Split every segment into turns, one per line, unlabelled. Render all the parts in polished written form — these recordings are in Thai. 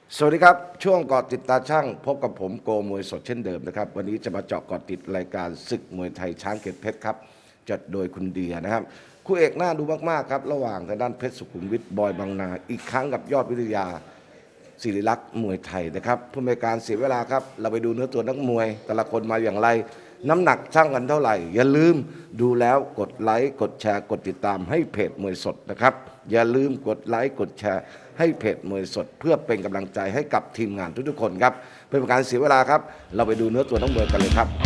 สวัสดีครับช่วงเกาะติดตาช่างพบกับผมโกมวยสดเช่นเดิมนะครับวันนี้จะมาเจาะเกาะติดรายการศึกมวยไทยช้างเกตเพชรครับจัดโดยคุณเดียนะครับคู่เอกน่าดูมากๆครับระหว่างทางด้านเพชรสุขุมวิทบอยบางนาอีกครั้งกับยอดวิทยาศิริลักษ์มวยไทยนะครับเพื่อไม่ให้การเสียเวลาครับเราไปดูเนื้อตัวนักมวย แต่ละคนมาอย่างไรน้ำหนักช่างกันเท่าไหร่อย่าลืมดูแล้วกดไลค์กดแชร์กดติดตามให้เพจมวยสดนะครับอย่าลืมกดไลค์กดแชร์ให้เพจมวยสดเพื่อเป็นกำลังใจให้กับทีมงานทุกๆคนครับเพื่อเป็นการเสียเวลาครับเราไปดูเนื้อตัวนักมวยกันเลยครับ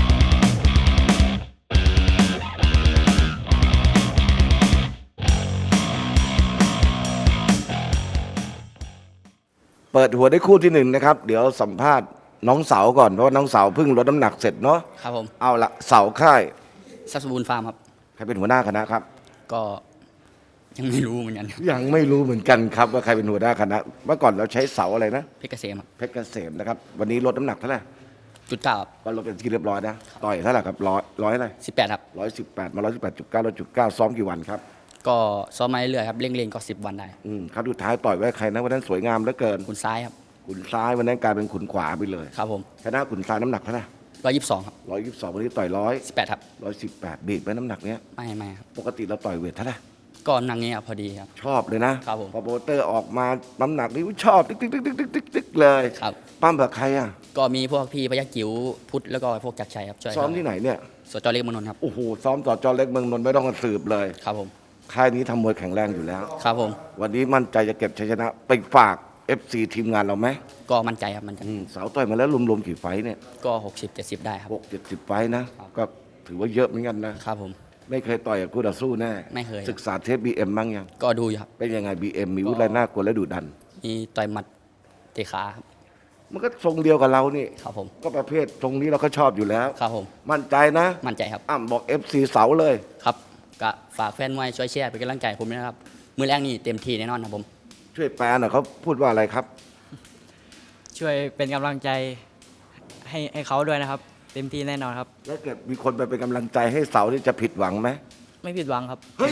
เปิดหัวได้คู่ที่หนึ่งนะครับเดี๋ยวสัมภาษณ์น้องเสาก่อนเพราะว่าน้องเสาเพิ่งลดน้ำหนักเสร็จเนาะ
ครับผม
เอาละเสาค่าย
ซับสบูนฟาร์มครับ
ใครเป็นหัวหน้าคณะครับ
ก็ยังไม่รู้เหมือนกัน
ยังไม่รู้เหมือนกันครับว่าใครเป็นหัวหน้าคณะเมื่อก่อนเราใช้เสาอะไรนะ
เพชรเกษมครับ
เพชรเกษมนะครับวันนี้ลดน้ำหนักเท่าไหร่
จุด 9ครับ
ก็ลดเป็นที่เรียบร้อยนะต่อยเท่าไหร่ครับร้อยอะไร
18ครับ
118มา118.9ซ้อมกี่วันครับ
ก็ซ้อมมาเรื่อยๆครับเร่งๆก็10 วันได้
ครับสุดท้ายต่อยไว้ใครนะวันนั้นสวยงามเหลือเกิน
ขุนซ้ายครับ
ขุนซ้ายวันนั้นกลายเป็นขุนขวาไปเลย
ครับผม
ชนะขุนซ้ายน้ำหนักเท่าไหร่
122ครับ
122วันนี้ต่อย
18ครับ
118บีบไปน้ำหนักเนี้ย
ไม่ครับ
ปกติเราต่อยเวทเท่าไหร่
ก็นั่งเงี้ยครับพอดีครับ
ชอบเลยนะครับ
ผม
พอโปรโมเตอร์ออกมาน้ำหนักนี่ชอบติ๊กเลย
ครับ
ปั้มแบบใครอ่ะ
ก็มีพวกพี่พยัคฆ์จิ๋วพุทธแล้วก็พวกจักรชัยครับช่วย
ซ้อมที่ไหนเนี่ย
สจเล็กเมืองนนท์ครับ
โอ้โหซ้อมต่อจอเล็กเมืองนนท์ไม่ต้องสืบเลย
ครับผม
ค่ายนี้ทำมวยแข็งแรงอยู่แล้ว
ครับผม
วันนี้มั่นใจจะเก็บชัยชนะไปฝาก FC ทีมงานเราไหม
ก็มั่นใจครับมั่นใจ
สาวต่อยมาแล้วรวมๆกี่ไฟเนี่ย
ก็60-70ได้ครับ
60-70ไฟนะก็ถือว่าเยอะเหมือนกันนะครับ
ผม
ไม่เคยต่อยกับคู่ต่อสู้แน่
ไม่เคย
ศึกษาเทป BM บ้างยัง
ก็ดูอยู่ครับ
เป็นยังไง BM มีวุฒิอะไรน่ากลัวและดุดัน
มีต่อยหมัดเตะขาครับ
มันก็ทรงเดียวกับเรานี่
ครับผม
ก็ประเภททรงนี้เราก็ชอบอยู่แล้ว
ครับผม
มั่นใจนะ
มั่นใจครับ
บอก FC เสาเลย
ครับก็ฝากแฟนมวยช่วยแชร์เป็นกำลังใจผมด้วยนะครับมือแรกนี่เต็มที่แน่นอนครับผม
ช่วยแปลหน่อยเขาพูดว่าอะไรครับ
ช่วยเป็นกำลังใจให้เขาด้วยนะครับเต็มที่แน่นอนครับ
แล้วเกิดมีคนไปเป็นกำลังใจให้เสาที่จะผิดหวังไหม
ไม่ผิดหวังครับ
เฮ้ย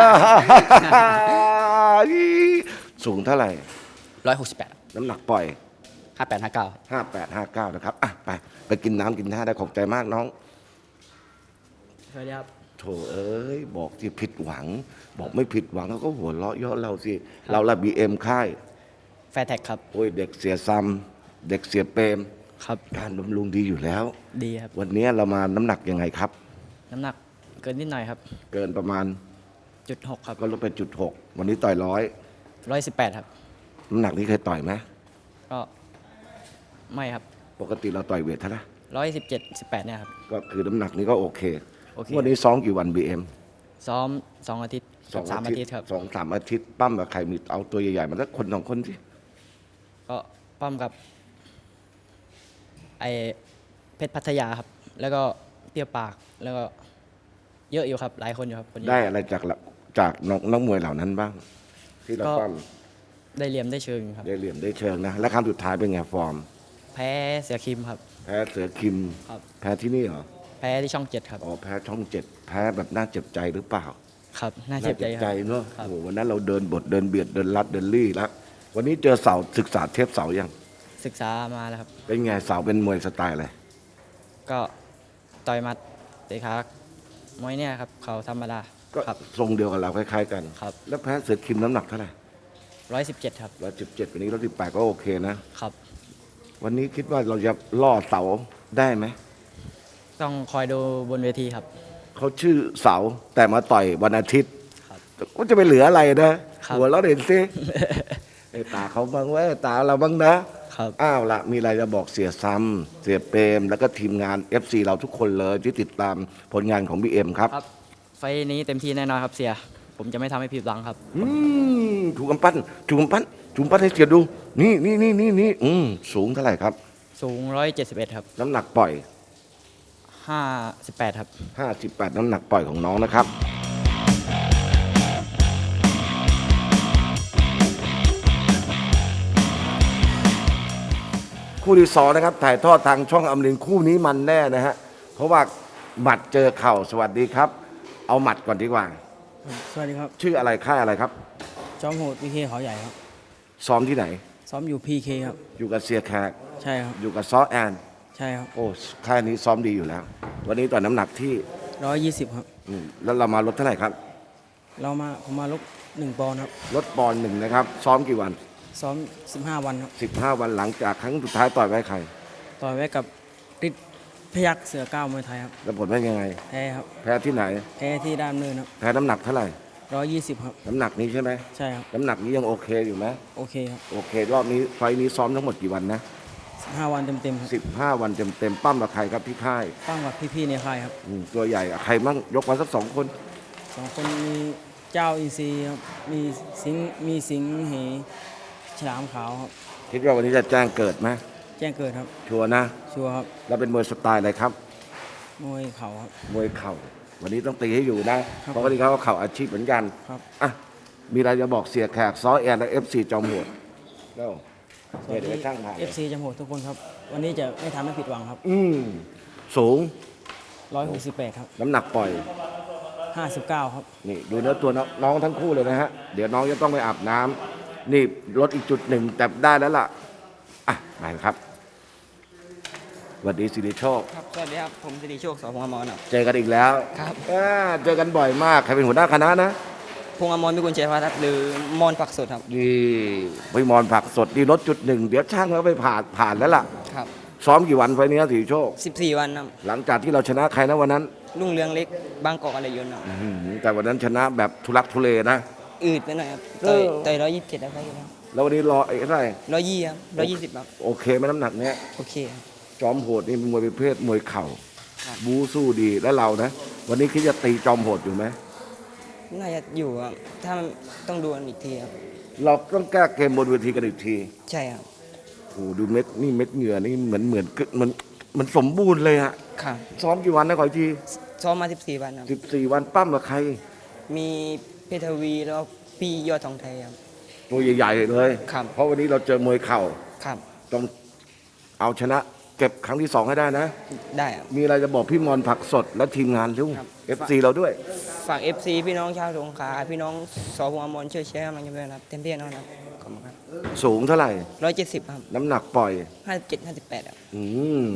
สูงเท่าไหร่
168
น้ำหนักปล่อย
5859
5859นะครับไปกินน้ำกินท่าได้ขอบใจมากน้อง
สวัสดีครับ
โถเอ้ยบอกที่ผิดหวังบอกไม่ผิดหวังเขาก็หัวเราะเยาะเราสิเราละ BM ค่าย
แฟร์แท็กครับ
โอ้ยเด็กเสียซ้ำเด็กเสียเปรม
ครับ
การบำรุงดีอยู่แล้ว
ดีครับ
วันนี้เรามาน้ำหนักยังไงครับ
น้ำหนักเกินนิดหน่อยครับ
เกินประมาณ
0.6ครับ
ก็ลดไป0.6วันนี้ต่อย
118ครับ
น้ำหนักนี้เคยต่อยไหม
ก็ไม่ครับ
ปกติเราต่อยเวทเท่าไหร่
117-18เนี่ยครับ
ก็คือน้ำหนักนี้ก็โอเค
โอเค
วันนี้ซ้อมกี่วัน BM
ซ้อม2 อาทิตย์3 อาทิตย์ครับ
2-3 อาทิตย์ปั้มกับใครมีเอาตัวใหญ่ๆมาสักคน2 คนสิ
ก็ปั้มกับไอเพชรพัทยาครับแล้วก็เตี้ยปากแล้วก็เยอะอยู่ครับหลายคนอยู่ครับ
ได้อะไรจากนักมวยเหล่านั้นบ้างที่เราปั้ม
ได้เหลี่ยมได้เชิงครับ
ได้เหลี่ยมได้เชิงนะและครั้งสุดท้ายเป็นไงฟอร์ม
แพ้เสือคิมครับ
แพ้เสือคิม
ครับ
แพ้ที่นี่เหรอ
แพ้ที่ช่อง7ครับ
อ๋อแพ้ช่อง7แพ้แบบน่าเจ็บใจหรือเปล่า
ครับน่าเจ็บใจ
เนอะโอ้โหวันนั้นเราเดินบทเดินเบียดเดินลัดเดินลี่แล้ววันนี้เจอเสาศึกษาเทปเสายัง
ศึกษามาแล้วครับ
เป็นไงเสาเป็นมวยสไตล์อะไร
ก็ต่อยมัดเตะขามวยเนี่ยครับเขาธรรมดา
ก็ทรงเดียวกับเราคล้ายๆกัน
ครับ
แล้วแพ้เสือคิมน้ำหนักเท่าไหร่
117ครับ
117วันนี้118ก็โอเคนะครับวันนี้คิดว่าเราจะล่อเสาได้ไหม
ต้องคอยดูบนเวทีครับ
เขาชื่อเสาแต่มาต่อยวันอาทิตย์
ครับ
ก็จะไปเหลืออะไรนะหัวเราเด่นซิไอ้ตาเขาบ้างว่าตาเราบ้างนะครับอ้าวละมีอะไรจะบอกเสียซ้ำเสียเปรมแล้วก็ทีมงาน FC เราทุกคนเลยที่ติดตามผลงานของ BM ครับ
ไฟนี้เต็มที่แน่นอนครับเสียผมจะไม่ทำให้ผิดหวังครับ
ถูกกำปั้นให้เสียดูนี่สูงเท่าไหร่ครับ
สูง171ครับ
น้ำหนักปล่อย
58ครับ
58น้ำหนักปล่อยของน้องนะครับคู่ที่2นะครับถ่ายทอดทางช่องอมรินทร์คู่นี้มันแน่นะฮะเพราะว่าหมัดเจอเข่าสวัสดีครับเอาหมัดก่อนดีกว่า
สวัสดีครับ
ชื่ออะไรค่ายอะไรครับ
จอมโหดพีเคเขาใหญ่ครับ
ซ้อมที่ไหน
ซ้อมอยู่พีเคครับ
อยู่กับเสียแขก
ใช่ครับ
อยู่กับซอแอน
ใช่ครับ
โอ้ค่ายนี้ซ้อมดีอยู่แล้ว วันนี้ต่อยน้ำหนักที่
120ครับ
แล้วเรามาลดเท่าไหร่ครับ
ผมมาลบ1 ปอนด์ครับ
ลดปอนด์หนึ่งนะครับ ซ้อมกี่วัน
ซ้อม15 วันครับ
15 วันหลังจากครั้งสุดท้ายต่อยไว้ใคร
ต่อยไว้กับฤทธิ์พยัคฆ์เสือก้าวมวยไทยครับ
แล้วผลเป็นยังไง
แพ้ครับ
แพ้ที่ไหน
แพ้ที่ด้านเนินครับ
แพ้น้ำหนักเท่าไหร่
120ครับ
น้ำหนักนี้ใช่ไหม
ใช่ครับ
น้ำหนักนี้ยังโอเคอยู่ไหม
โอเคครับ
โอเค รอบนี้ไฟล์นี้ซ้อมทั้งหมดกี่วันนะ
15 วันเต็มๆครับ
15 วันเต็มๆปั้มกับใครครับที่ค่าย
ตั้งกับพี่ๆในค่ายครับ
ตัวใหญ่อะใครมั่งยกมาสัก2 คน
2 คนมีเจ้าอินทรีย์ครับมีสิงห์เหฉลามขาวครับ
คิดว่าวันนี้จะแจ้งเกิดไหม
แจ้งเกิดครับ
ชัวร์นะ
ชัวร์ครับ
แล้วเป็นมวยสไตล์อะไรครับ
มวยเข่าครับ
มวยเข่า วันนี้ต้องตีให้อยู่นะ
ครับ
เพราะวันนี้เขาก็เข่าอาชีพเหมือนกัน
ครับ
อ่ะมีอะไรจะบอกเสียแขกซ้อแอนและFC จอมโหดเร็ว
สวัส
เดี๋ยว
ดี
ไปช่างถ่าย
FC จำโหดทุกคนครับ วันนี้จะไม่ทำให้ผิดหวังครับ
สูง
168 ครับ
น้ำหนักปล่อย
59 ครับ
นี่ดูเนื้อตัวน้องทั้งคู่เลยนะฮะ เดี๋ยวน้องจะต้องไปอาบน้ำนี่ลดอีกจุดหนึ่งแต่ได้แล้วล่ะ อ่ะไปครับสวัสดีสิริโชค
ครับ สวัสดีครับ ผมสิริโชค สพงอมรครับ
เจอกันอีกแล้ว
ครับ
เจอกันบ่อยมาก ใครเป็นหัวหน้าคณะนะ
พงอมรพิกุลชัยพัฒน์ครับหรือมอนผักสดครับ
นี่พี่มอนผักสดนี่ลดจุดหนึ่งเดี๋ยวช่างเขาไปผ่านแล้วล่ะ
ครับ
ซ้อมกี่วันไฟล์นี้สิริโชค
14 วันครับ
หลังจากที่เราชนะใครนะวันนั้น
รุ่งเรืองเล็ก บางกอกอะไรยนต์ครับ
แต่วันนั้นชนะแบบทุลักทุเลนะ
อืดไปหน่อยครับ
เออ
ต่อย127ครับ
แล้ววันนี้รอไอ้เท่าไหร่
120ครับ120ครับ
โอเคไหมน้ำหนักเนี้ย
โอเคครับ
จอมโหดนี่เป็นมวยประเภทมวยเข่า
ครับ
บูสู้ดีแล้วเรานะ วันนี้คิดจะตีจอมโหดอยู่ไหม
น่าจะอยู่ครับ ถ้ามันต้องดูกันอีกทีครับ
เราต้องแก้เกมบนเวทีกันอีกที
ใช่ครับ
โอ้โหดูเม็ดนี่เม็ดเหงื่อนี่เหมือนสมบูรณ์เลยฮะ
ครับ
ซ้อมกี่วันนะขออีกที
ซ้อมมา 14 วันครับ
14 วันปั้มกับใคร
มีเพชรทวีแล้วก็พี่ยอดทองไทยครับ
ตัวใหญ่ๆเลย
ครับ
เพราะวันนี้เราเจอมวยเข่า
ครับ
ต้องเอาชนะเก็บครั้งที่ 2 ให้ได้นะ
ได้ครับ
มีอะไรจะบอกพี่มอนผักสดและทีมงานเร็ว
ครับ
FC เราด้วย
ฝาก FC พี่น้องชาวสงขลาพี่น้องสพงอมรช่วยแชร์กำลังใจด้วยนะครับ เต็มที่แน่นอนครับ ขอบคุณครับ
สูงเท่าไหร่
170 ครับ
น้ำหนักปล่อย
57 58ครับ
อืม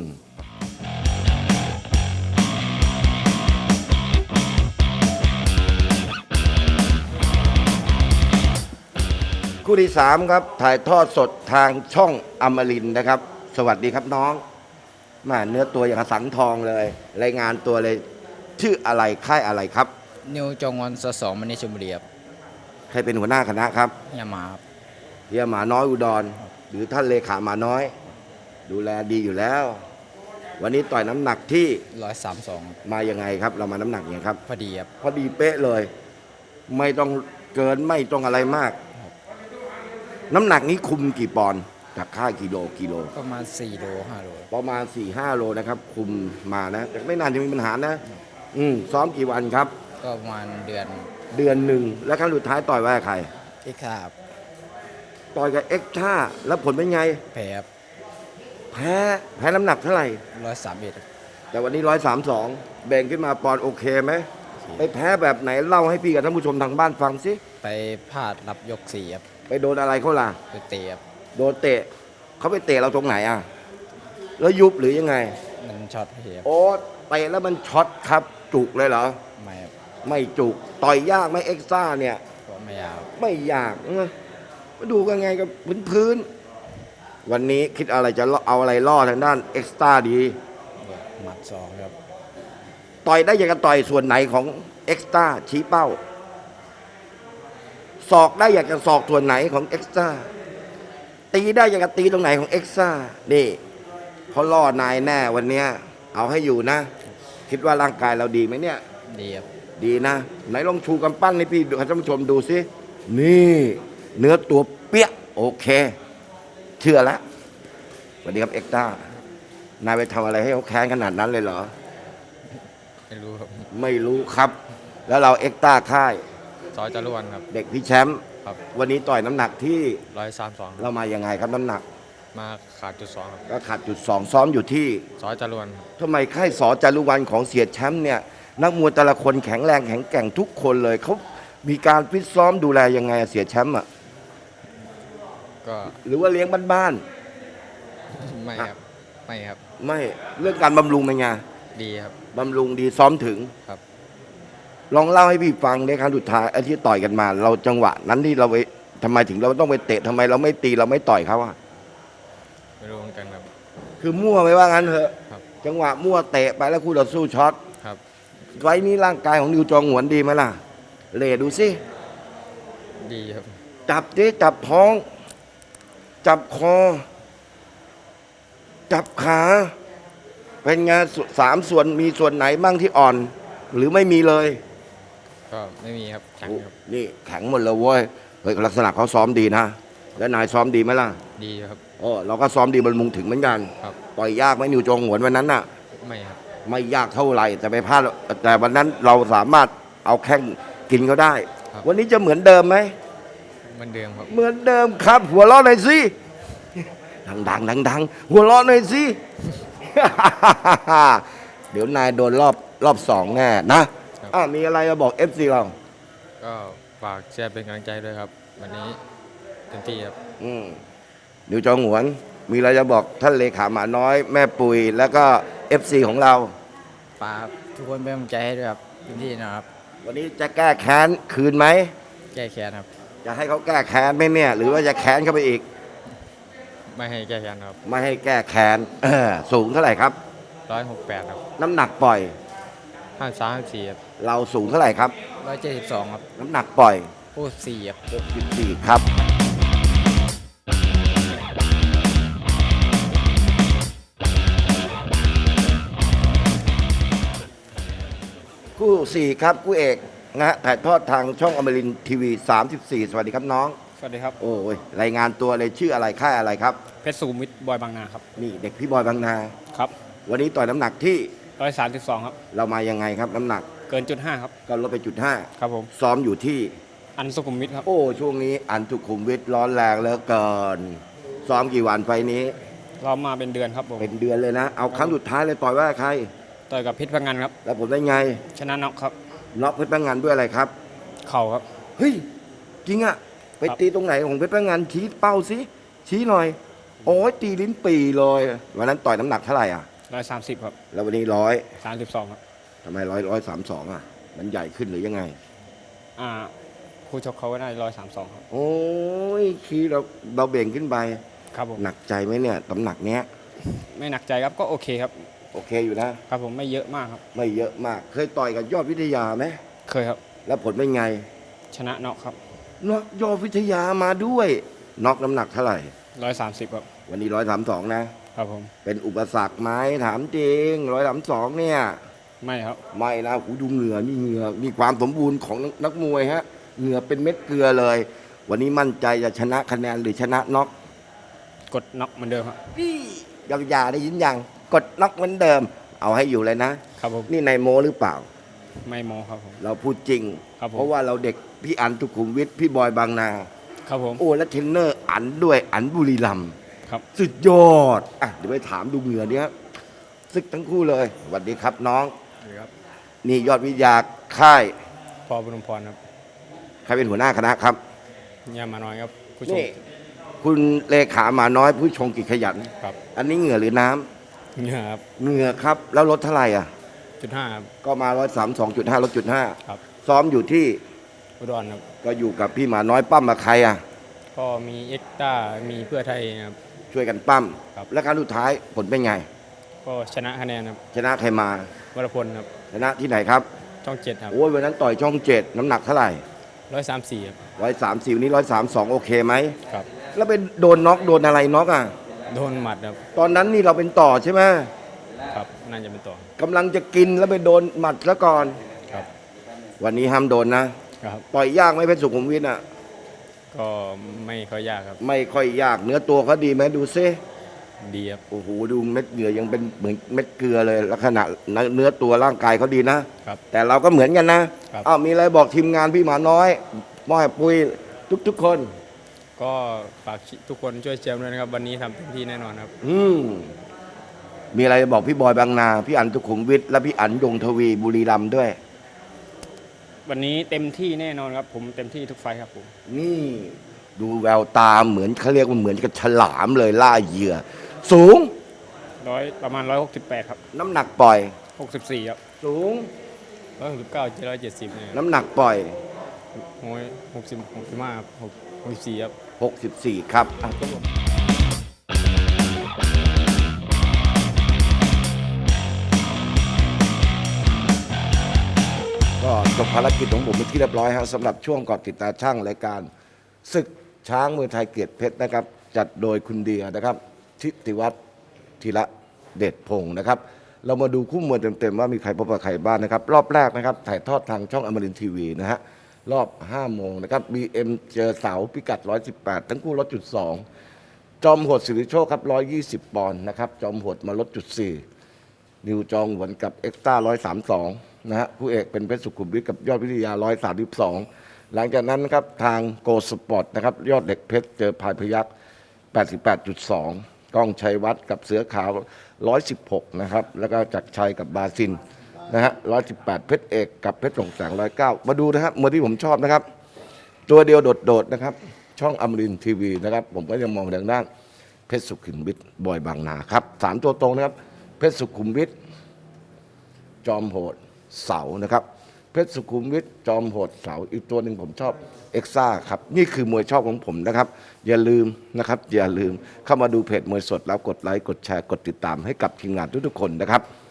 คู่ที่ 3 ครับ ถ่ายทอดสดทางช่องอมรินทร์นะครับ สวัสดีครับน้องมาเนื้อตัวอย่างกับสังทองเลย รายงานตัวเลย ชื่ออะไรค่ายอะไรครับ
นิวจงวันสองมันในชลบุรีครับ
ใครเป็นหัวหน้าคณะครับ
ยามาครับ
เฮียหมาน้อยอุดร หรือท่านเลขาหมาน้อย ดูแลดีอยู่แล้ว วันนี้ต่อยน้ำหนักที่
132
มายังไงครับ เรามาน้ำหนักยังไงครับ
พอดีครับ
พอดีเป๊ะเลย ไม่ต้องเกินไม่ต้องอะไรมาก น้ำหนักนี้คุมกี่ปอนด์จากค่ายกิโล
ประมาณ4โล5โล
ประมาณ 4-5 โลนะครับ คุมมานะ แต่ไม่นานจะมีปัญหานะ ซ้อมกี่วันครับ
ก็ประมาณเดือน
เดือนหนึ่งแล้วครั้งสุดท้ายต่อยไว้กับใคร
ที่ขาบ
ต่อยกับเอ็กท่าแล้วผลเป็นไง
แพ้ครับ
แพ้น้ำหนักเท่าไหร่
131
แต่วันนี้132แบ่งขึ้นมาปอนด์โอเคไหมไปแพ้แบบไหนเล่าให้พี่กับท่านผู้ชมทางบ้านฟังสิ
ไปพลาดรับยก4ครับ
ไปโดนอะไรเขาล่ะ
ไปเตะครับ
โดนเตะเขาไปเตะเราตรงไหนอ่ะแล้วยุบหรือยังไง
มันช็อตเสียครับ
โอ้เตะแล้วมันช็อตครับจุกเลยเหรอ
ไม่ครับ
ไม่จุกต่อยยากไหมเอ็กซ่าเนี่ย
ก็ไม่ยาว
ไม่ยากมาดูกันไงกับพื้นๆวันนี้คิดอะไรจะเอาอะไรล่อทางด้านเอ็กซ่าดี
หมัดสองครับ
ต่อยได้อย่างกับต่อยส่วนไหนของเอ็กซ่าชี้เป้าศอกได้อยากจะศอกส่วนไหนของเอ็กซ่าตีได้อยากจะตีตรงไหนของเอ็กซ่านี่เขาล่อนายแน่วันเนี้ยเอาให้อยู่นะ คิดว่าร่างกายเราดีไหมเนี่ย
ดีครับ
ดีนะ ไหนลองชูกำปั้นให้พี่ดูให้ท่านผู้ชมดูสินี่เนื้อตัวเปี้ยโอเค เชื่อแล้วสวัสดีครับเอ็กซ่านายไปทำอะไรให้เขาแค้นขนาดนั้นเลยเหรอ
ไม่รู้ครับ
ไม่รู้ครับ แล้วเราเอ็กต้าค่าย
ซอยจารวนครับ
เด็กพี่แชมป์
ครับ
วันนี้ต่อยน้ำหนักที่
132
เรามายังไงครับน้ำหนัก
มาขาดจุด2ครับ
ก็ขาดจุดสองซ้อมอยู่ที่
ซอยจารวน
ทำไมค่ายสอจารุวรรณของเสียแชมป์เนี่ยนักมวยแต่ละคนแข็งแรงแข็งแกร่งทุกคนเลยเขามีการฟิตซ้อมดูแลยังไงอะเสียแชมป์อ่ะ
ก็
หรือว่าเลี้ยงบ้าน
ไม่ครับ ไม่ครับ
ๆไม่เรื่องการบำรุงเป็นไง
ดีครับ
บำรุงดีซ้อมถึง
ครับ
ลองเล่าให้พี่ฟังในครั้งสุดท้ายไอ้ที่ต่อยกันมา เราจังหวะนั้นที่เราไปทำไมถึงเราต้องไปเตะทำไมเราไม่ตีเราไม่ต่อยเขาอะ
ไม่รู้เหมือนกันครับ
คือมั่วไม่ว่างั้นเถอะ
ครับ
จังหวะมั่วเตะไปแล้วคู่ต่อสู้ช็อต
ครับ
ไว้นี้ร่างกายของนิวจองหวนดีไหมล่ะเลดูสิ
ดีครับ
จับดิจับท้อง จับคอ จับขา เป็นไงสามส่วนมีส่วนไหนบ้างที่อ่อน หรือไม่มีเลย
ก็ไม่มีครับ แข็งครับ
นี่แข็งหมดเลยเว้ยเฮ้ยลักษณะเขาซ้อมดีนะ แล้วนายซ้อมดีไหมล่ะ
ดีครับ
โอ้เราก็ซ้อมดีบรรมุงถึงเหมือนกัน
ครับ
ต่อยยากไหมนิวจองหวนวันนั้นน่ะ
ไม่ครับ
ไม่ยากเท่าไหร่แต่ไปพลาดแต่วันนั้นเราสามารถเอาแข้งกินเขาได้
ครับ
วันนี้จะเหมือนเดิมไหม
เหมือนเดิมครับ
เหมือนเดิมครับ หัวเราะหน่อยสิดังหัวเราะหน่อยสิ เดี๋ยวนายโดนรอบสองแน่นะครับ มีอะไรจะบอก FC เรา
ก็ฝากแชร์เป็นกำลังใจด้วยครับ วันนี้เต็มที่ครับ
อืมนิวจองหวน มีอะไรจะบอกท่านเลขาหมาน้อย แม่ปุยแล้วก็ FC ของเรา
ฝากทุกคนเป็นกำลังใจให้ด้วยครับเต็มที่นะครับ
วันนี้จะแก้แค้นคืนไหม
แก้แค้นครับ
จะให้เขาแก้แค้นไหมเนี่ย หรือว่าจะแค้นเข้าไปอีก
ไม่ให้แก้แค้นครับ
ไม่ให้แก้แค้นสูงเท่าไหร่ครับ
168ครับ
น้ำหนักปล่อย
53 54ครับ
เราสูงเท่าไหร่ครับ
172ครับ
น้ำหนักปล่อย
พูด4ครับ
64ครับ คู่ 4 ครับคู่เอกนะฮะถ่ายทอดทางช่องอมรินทร์ทีวี 34 สวัสดีครับน้อง
สวัสดีครับ
โอ้ยรายงานตัวเลยชื่ออะไรค่ายอะไรครับ
เพชรสุขุมวิทบอยบางนาครับ
นี่เด็กพี่บอยบางนา
ครับ
วันนี้ต่อยน้ำหนักที่
132ครับ
เรามายังไงครับน้ำหนัก
เกินจุด5ครับ
ก็ลดไปจุดห้า
ครับผม
ซ้อมอยู่ที่
อันสุขุมวิทครับ
โอ้ช่วงนี้อันสุขุมวิทร้อนแรงเหลือเกินซ้อมกี่วันไฟล์นี้
เรามาเป็นเดือนครับผม
เป็นเดือนเลยนะ เอาครั้งสุดท้ายเลยต่อยว่าใคร
ต่อยกับเพชรพังงานครับ
แล้วผมได้ไง
ชนะน็อกครับ
น็อกเพชรพังงานด้วยอะไรครับ
เข่าครับ
เฮ้ย จริงอะไป
ครับ
ตีตรงไหนของเพชรพังงานชี้เป้าสิชี้หน่อย โอ้ยตีลิ้นปีเลยวันนั้นต่อยน้ำหนักเท่าไหร่อ่ะ
130ครับ
แล้ววันนี้
32ครับ
ทำไม132อ่ะ มันใหญ่ขึ้นหรือยังไง
อ่าคู่ชกเขาก็ได้132ครับ
โอ้ยขี้เราเบ่งขึ้นไป
ครับผม
หนักใจไหมเนี่ยน้ำหนักเนี้ย
ไม่หนักใจครับก็โอเคครับ
โอเคอยู่นะ
ครับผมไม่เยอะมากครับ
ไม่เยอะมาก เคยต่อยกับยอดวิทยาไหม
เคยครับ
แล้วผลเป็นไง
ชนะน็อกครับ
น็อกยอดวิทยามาด้วยน็อกน้ำหนักเท่าไหร่
130ครับ
วันนี้132นะ
ครับผม
เป็นอุปสรรคไหมถามจริง132เนี่ย
ไม่ครับ
ไม่นะหูดูเหงื่อนี่เหงื่อมีความสมบูรณ์ของนักมวยฮะเหงื่อเป็นเม็ดเกลือเลย วันนี้มั่นใจจะชนะคะแนนหรือชนะน็อก
กดน็อกเหมือนเดิมครับ
พี่ยาวๆได้ยินยังกดน็อกเหมือนเดิม เอาให้อยู่เลยนะ
ครับผม
นี่นายโมหรือเปล่า
ไม่โมครับผม
เราพูดจริง
ครับผม
เพราะว่าเราเด็กพี่อันทุขุมวิทพี่บอยบางนา
ครับผม
โอ้และเทรนเนอร์อันด้วยอันบุรีรัมย์
ครับ
สุดยอดอ่ะเดี๋ยวไปถามดูเหงื่อเนี้ยซึกทั้งคู่เลยสวัสดีครับน้อง
ครับ
นี่ยอดวิทยาค่าย
พอบุญพรครับ
ใครเป็นหัวหน้าคณะครับ
ยามาน้อยครับผู้ชม
นี่คุณเลขาหมาน้อยผู้ชงกิจขยัน
ครับ
อันนี้เหงื่อหรือน้ำ
เหงื่อครับ
เหงื่อครับ แล้วลดเท่าไหร่อ่ะ
.5 ครับ
ก็มา132.5ลดจุด5
ครับ
ซ้อมอยู่ที่
อุดรครับ
ก็อยู่กับพี่หมาน้อยปั้มมาใครอ่ะ
ก็มีเอ็กต้ามีเพื่อไทยครับ
ช่วยกันปั้ม
ครับ
แล้วครั้งสุดท้ายผลเป็นไง
ก็ชนะคะแนนครับ
ชนะใครมาว
รพลครับ
ชนะที่ไหนครับ
ช่องเจ็ดครับ
โอ้ยวันนั้นต่อยช่อง7น้ำหนักเท่าไหร่
134ครับ
130วันนี้132โอเคไหม
ครับ
แล้วไปโดนน็อกโดนอะไรน็อกอ่ะ
โดนหมัดครับ
ตอนนั้นนี่เราเป็นต่อใช่ไหม
ครับน่าจะเป็นต่อก
ำลังจะกินแล้วไปโดนหมัดซะก่อน
ครับ
วันนี้ห้ามโดนนะครับ ต่อยยากไหมเพชรสุขุมวิทอ่ะ
ก็ไม่ค่อยยากครับ
ไม่ค่อยยากเนื้อตัวเขาดีไหมดูซิ
ดีครับ
โอ้โหดูเม็ดเหงื่อยังเป็นเหมือนเม็ดเกลือเลยลักษณะเนื้อตัวร่างกายเขาดีนะ
ครับ
แต่เราก็เหมือนกันนะครับ อ้าวมีอะไรบอกทีมงานพี่หมาน้อยม้อยปุ้ยทุกคน
ก็ฝากทุกคนช่วยเชียร์ด้วยนะครับ วันนี้ทำเต็มที่แน่นอนครับ
มีอะไรบอกพี่บอยบางนา พี่อันสุขุมวิทและพี่อันดงทวีบุรีรัมย์ด้วย
วันนี้เต็มที่แน่นอนครับ ผมเต็มที่ทุกไฟท์ครับผม
นี่ดูแววตาเหมือนเขาเรียกว่าเหมือนกับฉลามเลยล่าเหยื่อ สูง
ประมาณ 168 ครับ
น้ำหนักปล่อย
64 ครับ
สูง
169 170เนี่ย
น้ำหนักปล่อย
โอ้ย65ครับ64 ครับ
64 ครับอ่ะก็จบภารกิจของผมเป็นที่เรียบร้อยครับสำหรับช่วงเกาะติดตาช่างรายการศึกช้างมวยไทยเกียรติเพชรนะครับ จัดโดยคุณเดียนะครับทิติวัฒน์ธีระเดชพงศ์นะครับ เรามาดูคู่มวยเต็มๆว่ามีใครพบกับใครบ้างนะครับ รอบแรกนะครับถ่ายทอดทางช่องอมรินทร์ทีวีนะฮะรอบ 5 โมงนะครับ BM เจอเสาพิกัด 118 ทั้งคู่ลดจุด 2 จอมโหดสิริโชคครับ 120 ปอนด์นะครับ จอมโหดมาลดจุด 4 นิวจองหวนกับเอ็กซ์ต้า 132 นะฮะคู่เอกเป็นเพชรสุขุมวิทกับยอดวิทยา 132 หลังจากนั้นนะครับทางโกสปอร์ตนะครับยอดเหล็กเพชรเจอพายพยัก 88.2 ก้องชัยวัฒน์กับเสือขาว 116 นะครับ แล้วก็จักรชัยกับบาซินนะฮะ 118 เพชรเอกกับเพชรส่งแสง 109 มาดูนะครับมวยที่ผมชอบนะครับ ตัวเดียวโดดๆนะครับ ช่องอมรินทร์ทีวีนะครับ ผมก็ยังมองทางด้านเพชรสุขุมวิทบอยบางนาครับ3ตัวตรงนะครับ เพชรสุขุมวิทจอมโหดเสานะครับ เพชรสุขุมวิทจอมโหดเสาอีกตัวหนึ่งผมชอบเอ็กซ่าครับนี่คือมวยชอบของผมนะครับ อย่าลืมนะครับอย่าลืมเข้ามาดูเพจมวยสดแล้วกดไลค์กดแชร์กดติดตามให้กับทีมงานทุกๆคนนะครับ